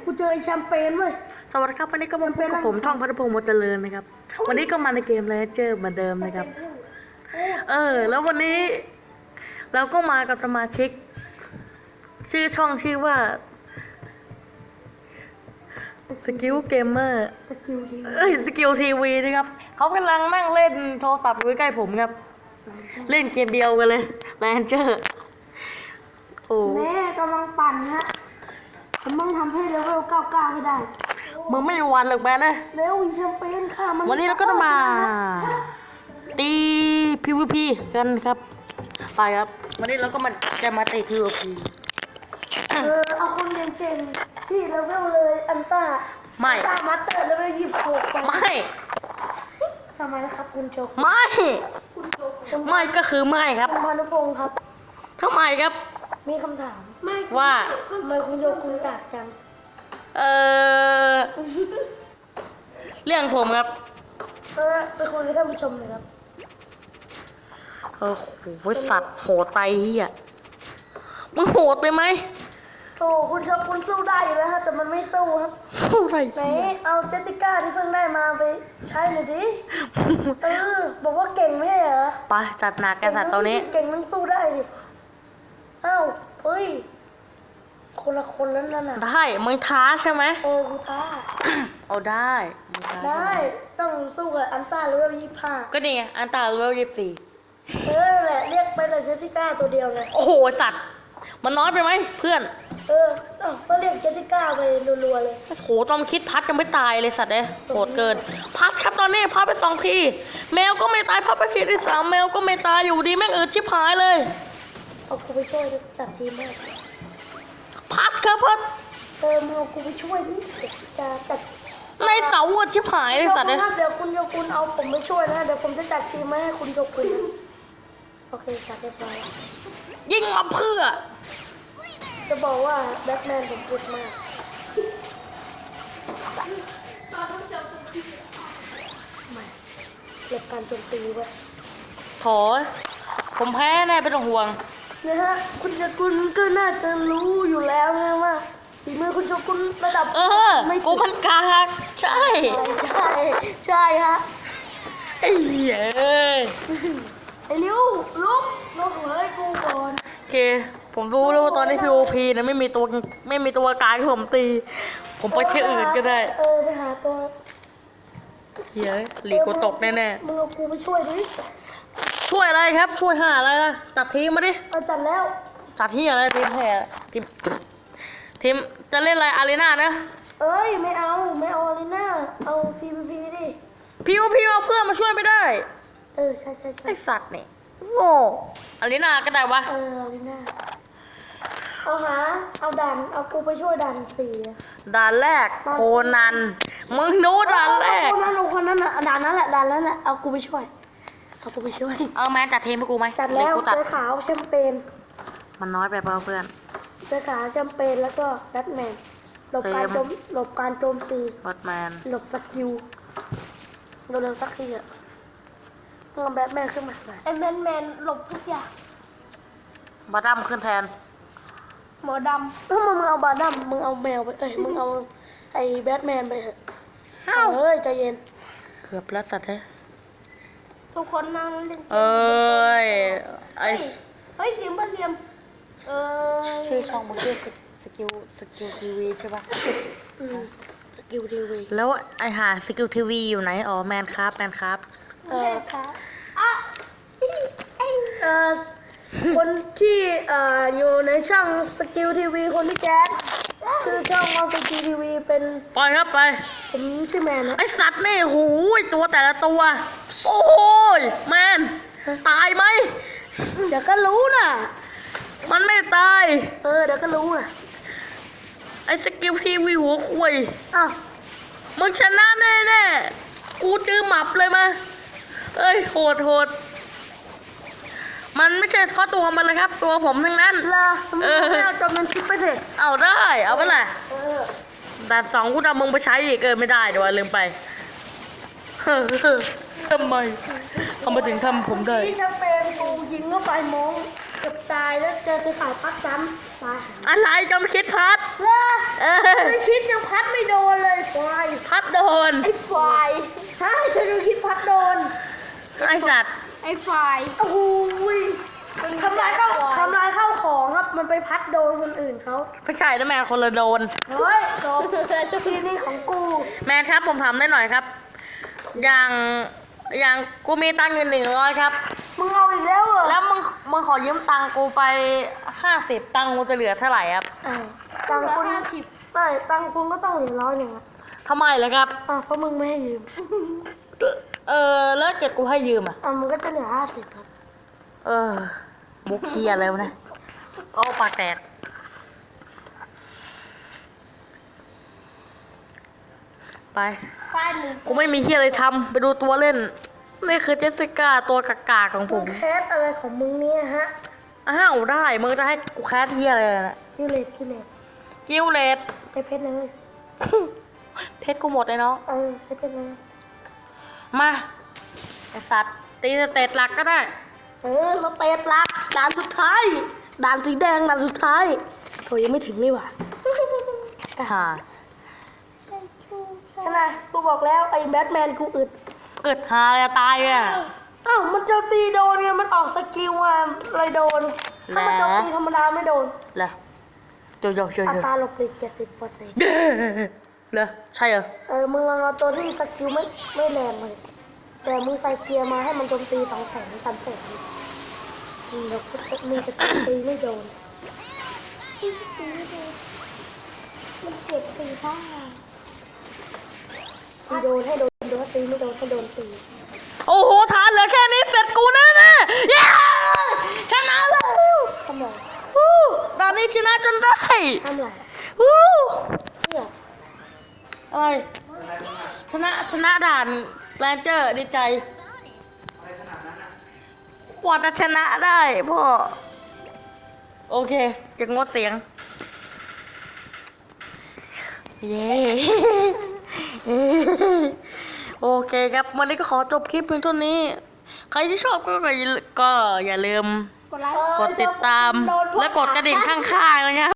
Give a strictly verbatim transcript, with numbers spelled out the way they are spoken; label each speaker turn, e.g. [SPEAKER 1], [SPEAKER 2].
[SPEAKER 1] กูเจอไอ้แชมเปญเว้ย
[SPEAKER 2] สวัสดีครับวันนี้ก็มาพบกับผมท่องพัฒพงศ์มดเจริญนะครับวันนี้ก็มาในเกมเลเจอร์เหมือนเดิมนะครับเออแล้ววันนี้เราก็มากับสมาชิกชื่อช่องชื่อว่าสกิลเกมเมอร์
[SPEAKER 1] สกิลที
[SPEAKER 2] เอ้ยสกิลทีวีนะครับเขากำลังนั่งเล่นโทรศัพท์อยู่ใกล้ผมครับเล่นเกมเดียวกันเลยเลเจอร์โอ้
[SPEAKER 1] แม่กำลังปั่นฮะผมต้องทำให้เลเวลเก้าสิบเก้าให้ได้
[SPEAKER 2] มึงไม่มีวันหรอกแม่นะ
[SPEAKER 1] เร็วอีแชมเปญค่ะมัน
[SPEAKER 2] วันนี้เราก็จะมาตี พี วี พี กันครับไปครับวันนี้เราก็มาจะมาตี พี วี พี
[SPEAKER 1] เออเอาคนเก่งๆที่เลเวลเลยอันต้า
[SPEAKER 2] ไม่
[SPEAKER 1] อันต้ามาสเตอร์เลเวลยี่สิบหกไป
[SPEAKER 2] ไม่
[SPEAKER 1] ทำไมนะครับคุณโจก
[SPEAKER 2] ไม่
[SPEAKER 1] คุณโจก
[SPEAKER 2] ไม่ก็คือไม่ครับ
[SPEAKER 1] คุณพานุพงศ์ครับ
[SPEAKER 2] ทำไมครับ
[SPEAKER 1] มีคำถามไม่
[SPEAKER 2] ว่า
[SPEAKER 1] ทำไมคุณโจกคุณกากจัง
[SPEAKER 2] เออเรื่องผมครับ
[SPEAKER 1] เออไปคุยกับท่านผู้ชมเลยครับ
[SPEAKER 2] เออโหสัตว์โหดไปเฮียมึงโหดไปไหม
[SPEAKER 1] โอ้คุณโจกคุณสู้ได้อยู่แล้วฮะแต่มันไม่สู้ครับ
[SPEAKER 2] โหดไป
[SPEAKER 1] ไหน
[SPEAKER 2] เฮีย
[SPEAKER 1] เอาเจสสิก้าที่เพิ่งได้มาไปใช้หน่อยดิ เออ บอกว่าเก่งไม่ใช่เหรอ
[SPEAKER 2] ไปจัดหนักกันสัตว์ตัวนี้
[SPEAKER 1] เก่งนั่งสู้ได้ดิอ้าวเฮ้ย คนละคนแล้วนั่นน่ะ
[SPEAKER 2] ได้มึงท้าใช่ไหม
[SPEAKER 1] เออกูท้า
[SPEAKER 2] เอาได้มึงท้าใช่
[SPEAKER 1] ได้
[SPEAKER 2] ไหม
[SPEAKER 1] ต้องสู้กับอันต้าเลเวลยี่สิบห้า
[SPEAKER 2] ก็นี่ไงอันตาเลเวลยี่สิบสี่
[SPEAKER 1] เออแหละเรียกไปแต่เจสสิก้าตัวเดียวไง
[SPEAKER 2] โอ้โหสัตว์มันน้อยไปไหมเพื่อน
[SPEAKER 1] เออเอ้าก็เรียกเจสสิก้าไปรัวๆเลย
[SPEAKER 2] โอ้โหตอนคิดพัดยังไม่ตายเลยสัตว์เอ้ยโหดเกิน พัดครับตอนนี้พัดไปสองทีแมวก็ไม่ตายพัดไปทีที่สามแมวก็ไม่ตายอยู่ดีแม่งอืดชิบหายเลย
[SPEAKER 1] เอากูไปช่วยดิจัดทีมให้
[SPEAKER 2] พัดครับพัด
[SPEAKER 1] เออมึงเอากูไปช่วยดิเดี๋ยวจะจัด
[SPEAKER 2] ในเสาอืดชิบหายเลยสัตว์
[SPEAKER 1] เดี๋
[SPEAKER 2] เอ้
[SPEAKER 1] ยวย เดี๋ยวคุณโยคุณเอาผมไปช่วยนะเดี๋ยวผมจะจัดทีมมาให้คุณโยคุณโอเคจัดเรียบร้อย
[SPEAKER 2] ยิงมาเพื่อ
[SPEAKER 1] จะบอกว่าแบทแมนผมพูดมากไม่เก็บการโจมตีไว้
[SPEAKER 2] โถผมแพ้แน่ไม่ต้องห่วง
[SPEAKER 1] นะฮะคุณโยคุณก็น่าจะรู้อยู่แล้วนะว่าฝีมือคุณโยคุณระดับ
[SPEAKER 2] เออ
[SPEAKER 1] ไม่
[SPEAKER 2] กูมันกากใช่
[SPEAKER 1] ใช่ใช่ฮะ
[SPEAKER 2] ไอ้เหี้ยเอ้ย
[SPEAKER 1] ไอ้ลิวลุกลุกเลยกูก่อน
[SPEAKER 2] โอเคผมรู้แล้วว่าตอนนี้ พี โอ พี นะไม่มีตัวไม่มีตัวกลางที่ผมตี ผมไปที่อื่นก็ได้
[SPEAKER 1] เออไปหาตัว
[SPEAKER 2] เหี้ยหลีกกูตกแน่
[SPEAKER 1] มึงเอากูไปช่วยดิ
[SPEAKER 2] ๆช่วยอะไรครับ ช่วยหาอะไรล่ะจัดทีมมาดิ
[SPEAKER 1] เอาจัดแล้ว
[SPEAKER 2] จัดที่อะไรทีมแพ้ทีมทีมจะเล่นอะไรอารีนานะ
[SPEAKER 1] เอ้ยไม่เอาไม่เอาอะไรน่าเอา พี พี พี ดิ
[SPEAKER 2] พี โอ พี เอาเพื่อนมาช่วยไม่ได้
[SPEAKER 1] เออใช่ใช่ใช่
[SPEAKER 2] ไอสัตว์นี่โง่อารีนาก็ได้วะ
[SPEAKER 1] เอออะไรน่าเอาหาเอาดันเอากูไปช่วยดันสี่อะ
[SPEAKER 2] ด่านแรกโคนันมึงดูด่านแรก
[SPEAKER 1] เอาคนนั้นเอาคนนั้นอ่ะดันนั้นแหละดันนั้นแหละเอากูไปช่วยเอากูไปช่วย
[SPEAKER 2] เอาแมนจัดทีมให้กูไหม
[SPEAKER 1] จัดแล้ว
[SPEAKER 2] หรือกูจัด
[SPEAKER 1] เสื้อขาวแชมเปญ
[SPEAKER 2] มันน้อยไปเปล่าเพื่อน
[SPEAKER 1] เสื้อขาวแชมเปญแล้วก็แบทแมนหลบการ
[SPEAKER 2] เจมส์
[SPEAKER 1] โจมหลบการโจมตี
[SPEAKER 2] บอทแมน
[SPEAKER 1] หลบสกิลเร็วๆสักทีอะมึงเอาแบทแมนขึ้นมาหน่อยไอ้แบทแมนหลบทุกอย่าง
[SPEAKER 2] บอทดัมขึ้นแทน
[SPEAKER 1] หมอดำถ้ามึงเอาบาดัมมึงเอาแมวไปเอ้ยมึงเอาไอ้แบทแมนไปเถอะเฮ้ยใจเย็น
[SPEAKER 2] เกือบแล้วสัตว์เฮ้ย
[SPEAKER 1] ทุกคนนั่งเล่น
[SPEAKER 2] เอ้ยไอ
[SPEAKER 1] เฮ้ยเสียงบันเรียมเออ
[SPEAKER 2] ชื่อช่องมันชื่อสกิลสกิลทีวีใช่ปะ
[SPEAKER 1] อืมสกิลทีวี
[SPEAKER 2] แล้วไอหาสกิลทีวีอยู่ไหนอ๋อแมนครับแมนครับ
[SPEAKER 1] เอออ่ะเออคนที่เอ่ออยู่ในช่องสกิลทีวีคนที่แก๊สคือช่องของสกิลทีวีเป็น
[SPEAKER 2] ปล่อยครับไป
[SPEAKER 1] ผมชื่อแมนนะ
[SPEAKER 2] ไอสัตว์นี่หูยตัวแต่ละตัว โอ้โหยแมนตายไหม
[SPEAKER 1] เดี๋ยวก็รู้น่ะ
[SPEAKER 2] มันไม่ตาย
[SPEAKER 1] เออเดี๋ยวก็รู้น่ะ
[SPEAKER 2] ไอสกิลทีวีหัวคุย
[SPEAKER 1] อ้าว
[SPEAKER 2] มึงชนะแน่แน่ๆกูจื้อหมับเลยมาเอ้ยโหดโหดมันไม่ใช่เพราะตัวมันเลยครับ ตัวผมทั้งนั้น
[SPEAKER 1] เลอมึงไม่เอาจอมันคิดไปเถอะ
[SPEAKER 2] เอาได้ เอาไปเลย
[SPEAKER 1] เออ
[SPEAKER 2] แต่สองกูเอามึงไปใช้อีกเกินไม่ได้เดี๋ยวลืมไป ทำไมทำไมถึงทำผมได้
[SPEAKER 1] ที่จะเป็นกูยิงเข้าไปมงเกือบตายแล้วเจอไปขายพักซ้ำตาย
[SPEAKER 2] อะไรจอมคิดพัด
[SPEAKER 1] เลอ
[SPEAKER 2] เออ
[SPEAKER 1] ไม่คิดยังพัดไม่โดนเลยไฟ
[SPEAKER 2] พัดโดน
[SPEAKER 1] ไอ้ไฟใช่เธอดูคิดพัดโดน
[SPEAKER 2] ไอสัตว์
[SPEAKER 1] ไอ้ไฟโอ้โหยทำลายข้าวทำลายข้าวของครับมันไปพัดโดนคนอื่นเขา
[SPEAKER 2] ไม่ใช่นะแม่คนละโดน
[SPEAKER 1] เฮ้ยโดนทีนี่ของกู
[SPEAKER 2] แม่ครับผมทำได้หน่อยครับ อย่างอย่างกูมีตังค์อยู่หนึ่งร้อยครับ
[SPEAKER 1] มึงเอาอีกแล้วเหรอ
[SPEAKER 2] แล้วมึงมึงขอยืมตังค์กูไปห้าสิบตังค์กูจะเหลือเท่าไหร่ครับ
[SPEAKER 1] อ่าตังค์คุณไม่ตังค์คุณก็ต้องเหลือร้อยหนึ่งอะ
[SPEAKER 2] ทำไมล่ะครับ
[SPEAKER 1] อ่ะเพราะมึงไม่ให้ยืม
[SPEAKER 2] เออแล้วเกิดกูให้ยืมอ่ะ
[SPEAKER 1] อ่ะมึงก็จะเหลือห้าสิบครับ
[SPEAKER 2] เออบุกเคียอะไรวะเนี่ยโอ้ปากแตกไป
[SPEAKER 1] ป้ายมึง
[SPEAKER 2] กูไม่มีเคียอะไรทำไปดูตัวเล่น นี่คือเจสสิก้าตัวกากาของผม
[SPEAKER 1] แคสอะไรของมึงเนี่ยฮะ
[SPEAKER 2] อ้าวได้ มึงจะให้กูแคสเฮียอะไรน่ะ
[SPEAKER 1] กิเลสกิเลส
[SPEAKER 2] กิวเลต
[SPEAKER 1] ใช้เพชรเลย
[SPEAKER 2] เพชรกูหมดเลยเนาะ
[SPEAKER 1] เออใช้เพชรเลย
[SPEAKER 2] มาไอสัตว์ตีสเตตหลักก็ได้
[SPEAKER 1] เออสเตตลักด่านสุดท้ายด่านสีแดงด่านสุดท้ายโถยังไม่ถึงนี่หว่า
[SPEAKER 2] ฮ่า
[SPEAKER 1] ใช่ไหมกูบอกแล้วไอ้แบทแมนกูอึด
[SPEAKER 2] อึดหาเลยตายเลยอะ
[SPEAKER 1] อ้าวมันโจมตีโดนไงมันออกสกิลมาเลยโดนถ้ามันโจมตีธรรมดาไม่โดน
[SPEAKER 2] เหรอโยโย่โย
[SPEAKER 1] อั
[SPEAKER 2] โย่
[SPEAKER 1] ตราหลบหลีกเจ็ดสิบเปอร์เซ็นต์
[SPEAKER 2] เหรอใช่เหรอ
[SPEAKER 1] เออมึงลองเอาตัวที่สกิลไม่ไม่แรงเลยแต่มึงใส่เกียร์มาให้มันโจมตีสองแสนสามแสนมึงจะมึงจะตีไม่โดนมันเจ็บตีบ้างตีโดนให้โดนโดนตีไม่โดนให้โดนตี
[SPEAKER 2] โอ้โหทานเหลือแค่นี้เสร็จกูแน่แน่ๆเย้ชนะแล้ว
[SPEAKER 1] ทำไร
[SPEAKER 2] ฮู้ด่านนี้ชนะจนได้
[SPEAKER 1] ทำไร
[SPEAKER 2] ฮู้
[SPEAKER 1] เนี่ย
[SPEAKER 2] อะไรชนะชนะด่านแรนเจอร์ดีใจกว่าจะชนะได้พ่อโอเคจะงดเสียงเย้ โอเคครับวันนี้ก็ขอจบคลิปเพียงเท่านี้ ใครที่ชอบก็ก็อย่าก็อย่าลืม
[SPEAKER 1] กดไลค์
[SPEAKER 2] กดติดตามและกดกระดิ่งข้างๆนะครับ